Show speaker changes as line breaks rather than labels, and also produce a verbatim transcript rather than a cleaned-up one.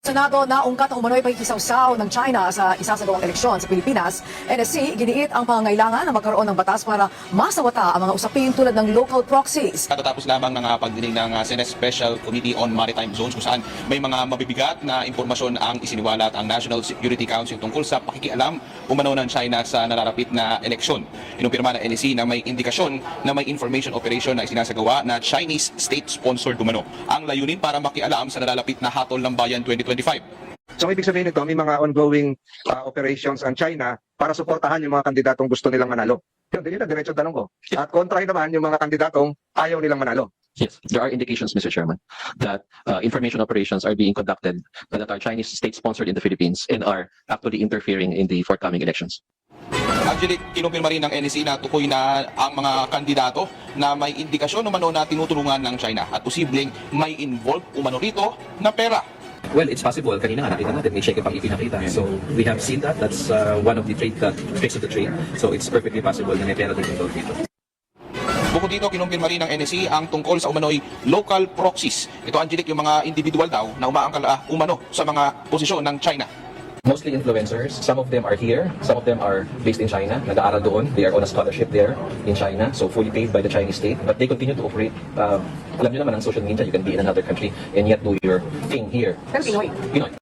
Senado na ungkat ang umano'y pakikisawsaw ng China sa isasagawang eleksyon sa Pilipinas. N S C giniit ang pangangailangan na magkaroon ng batas para masawata ang mga usapin tulad ng local proxies.
Katatapos lamang ng uh, pagdinig ng uh, Senate Special Committee on Maritime Zones kung saan may mga mabibigat na impormasyon ang isiniwalat ang National Security Council tungkol sa pakikialam umano ng China sa nararapit na eleksyon. Inumpirma ng N S C na may indikasyon na may information operation na isinasagawa na Chinese state-sponsored umano. Ang layunin para makialam sa nalalapit na hatol ng bayan twenty twenty-five.
So ibig sabihin nito, may mga ongoing uh, operations ang China para suportahan yung mga kandidatong gusto nilang manalo. Yun, din yun na diretso tanong ko. At kontrahin naman yung mga kandidatong ayaw nilang manalo.
Yes, there are indications, Mister Chairman, that uh, information operations are being conducted that are Chinese state-sponsored in the Philippines and are actually interfering in the forthcoming elections.
Actually, kinumpirma rin ng N S C na tukoy na ang mga kandidato na may indikasyon umano na tinutulungan ng China at posibleng may involved umano rito na pera.
Well, it's possible. Kanina nga nakita natin, may cheque pang ipinakita. So, we have seen that. That's uh, one of the trade, uh, tricks of the trade. So, it's perfectly possible na may pera din involved dito.
Bukod dito, kinumpirma rin ng N S C ang tungkol sa umano'y local proxies. Ito, Angelic, yung mga individual daw na umaangkal uh, umano sa mga posisyon ng China.
Mostly influencers. Some of them are here. Some of them are based in China. Nag-aaral doon. They are on a scholarship there in China. So, fully paid by the Chinese state. But they continue to operate. Uh, alam nyo naman, ang social media, you can be in another country and yet do your thing here.
Pero Pinoy.
Pinoy.